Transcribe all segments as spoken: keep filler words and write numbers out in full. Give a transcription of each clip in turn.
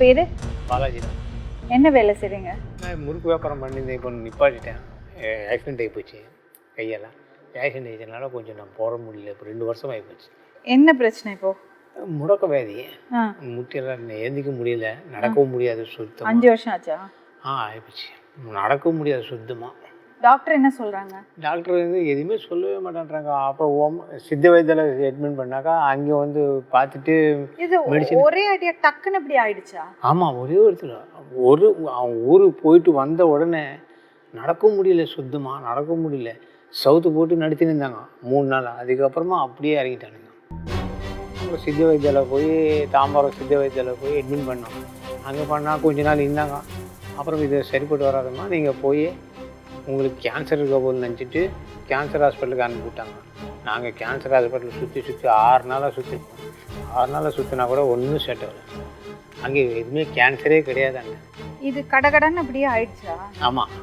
பேர்? பாலாஜி தான். என்ன வேலை செய்றீங்க? நான் முறுக்கு வியாபாரம் பண்ணியிருந்தேன். இப்போ நிப்பாட்டிட்டேன். ஆக்சிடென்ட் ஆகி போச்சு கையெல்லாம். ஆக்சிடென்ட் ஆகிட்டனால கொஞ்சம் நான் போட முடியல. இப்போ ரெண்டு வருஷம் ஆகி போச்சு. என்ன பிரச்சனை இப்போ? முடக்க வியாதி. ஆ முட்டியெல்லாம் ஏந்திக்க முடியல, நடக்கவும் முடியாது சுத்தமாக. அஞ்சு வருஷம் ஆச்சா? ஆ ஆகிப்போச்சு. நடக்கவும் முடியாது சுத்தமாக. டாக்டர் என்ன சொல்கிறாங்க? டாக்டர் வந்து எதுவுமே சொல்லவே மாட்டேன்றாங்க. அப்போ ஓம் சித்த வைத்தியில் அட்மிட் பண்ணாக்கா அங்கே வந்து பார்த்துட்டு இது மெடிசன். ஒரே அடியா டக்குன்னு இப்படி ஆயிடுச்சா? ஆமாம், ஒரே ஒருத்தர் ஒரு அவன் ஊருக்கு போயிட்டு வந்த உடனே நடக்க முடியல, சுத்தமாக நடக்க முடியல. சவுத்து போட்டு நடத்தின்னு இருந்தாங்க மூணு நாள். அதுக்கப்புறமா அப்படியே இறங்கிட்டானுங்க. அப்புறம் சித்த வைத்தியில் போய் தாம்பரம் சித்த வைத்தியில் போய் அட்மிட் பண்ணோம். அங்கே பண்ணால் கொஞ்ச நாள் இருந்தாங்க. அப்புறம் இது சரிப்பட்டு வராதம்மா, நீங்கள் போய் உங்களுக்கு கேன்சர் இருக்க போது நினச்சிட்டு கேன்சர் ஹாஸ்பிட்டலுக்கு அனுப்பிவிட்டாங்க. நாங்கள் கேன்சர் ஹாஸ்பிட்டல் சுற்றி சுற்றி ஆறு நாளாக சுற்றிருக்கோம். ஆறு நாளாக சுற்றினா கூட ஒன்றும் செட் ஆகலை. அங்கே எதுவுமே கேன்சரே கிடையாதாங்க. இது கடகடன்னு அப்படியே ஆயிடுச்சா? ஆமாம்.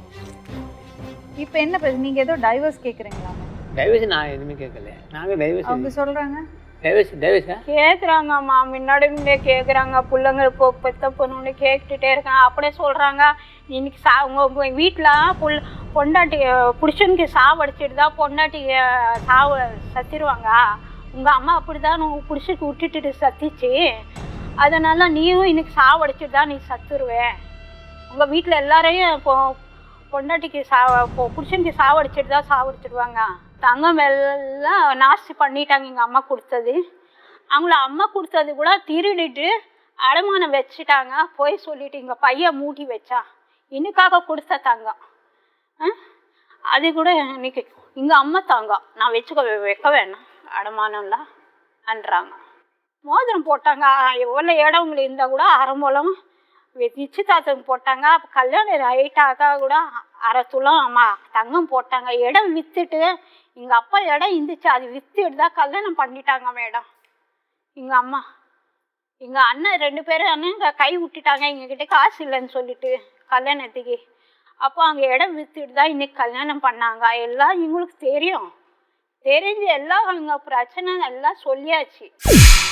இப்போ என்ன பிரச்சனை? நீங்கள் ஏதோ டைவர்ஸ் கேட்குறீங்களா? டைவர்ஸ் நான் எதுவுமே கேட்கல. நாங்கள் டைவர்ஸ் அவங்க சொல்கிறாங்க டைவர்ஸ் டைவர்ஸா கேட்குறாங்கம்மா. முன்னாடி முன்னே கேட்குறாங்க. பிள்ளைங்க இப்போ பெத்த பொண்ணு கேட்டுகிட்டே இருக்காங்க. அப்படியே சொல்கிறாங்க, இன்னைக்கு சா உங்கள் வீட்டில் புல் பொண்டாட்டி புருஷனுக்கு சாவடிச்சிட்டு தான் பொண்டாட்டி சாவ சத்திடுவாங்க. உங்கள் அம்மா அப்படி தான் உங்கள் புருஷனுக்கு விட்டுட்டு சத்திச்சு, அதனால் நீயும் இன்னைக்கு சாவடிச்சிட்டு தான் நீ சத்துருவேன். உங்கள் வீட்டில் எல்லாரையும் இப்போ பொண்டாட்டிக்கு சா புருஷனுக்கு சாவடிச்சிட்டு தான் சாவடிச்சிடுவாங்க. தங்கம் எல்லாம் நாஸ்தி பண்ணிட்டாங்க. எங்கள் அம்மா கொடுத்தது, அவங்கள அம்மா கொடுத்தது கூட திருடிட்டு அடமானம் வச்சுட்டாங்க. போய் சொல்லிட்டு எங்கள் பையன் மூட்டி வச்சா இன்னுக்காக கொடுத்த தங்கம் அது கூட இன்னைக்கு எங்கள் அம்மா தங்கம் நான் வச்சுக்க வைக்க வேணாம் அடமானம்லாம் அன்றாங்க. மோதிரம் போட்டாங்க. எவ்வளோ இடவங்களை இருந்தால் கூட அரை மூலம் நிச்சயதார்த்தம் போட்டாங்க. அப்போ கல்யாணம் ரைட்டாக கூட அரை துளம் அம்மா தங்கம் போட்டாங்க. இடம் விற்றுட்டு எங்கள் அப்பா இடம் இருந்துச்சு, அது விற்றுட்டு தான் கல்யாணம் பண்ணிட்டாங்க மேடம். எங்கள் அம்மா எங்கள் அண்ணன் ரெண்டு பேரும் அண்ணன் கை விட்டுட்டாங்க எங்ககிட்ட காசு இல்லைன்னு சொல்லிட்டு கல்யாணத்துக்கு. அப்போ அங்கே இடம் விற்றுட்டு தான் இன்னைக்கு கல்யாணம் பண்ணாங்க. எல்லாம் எங்களுக்கு தெரியும். தெரிஞ்சு எல்லாம் அவங்க பிரச்சனை எல்லாம் சொல்லியாச்சு.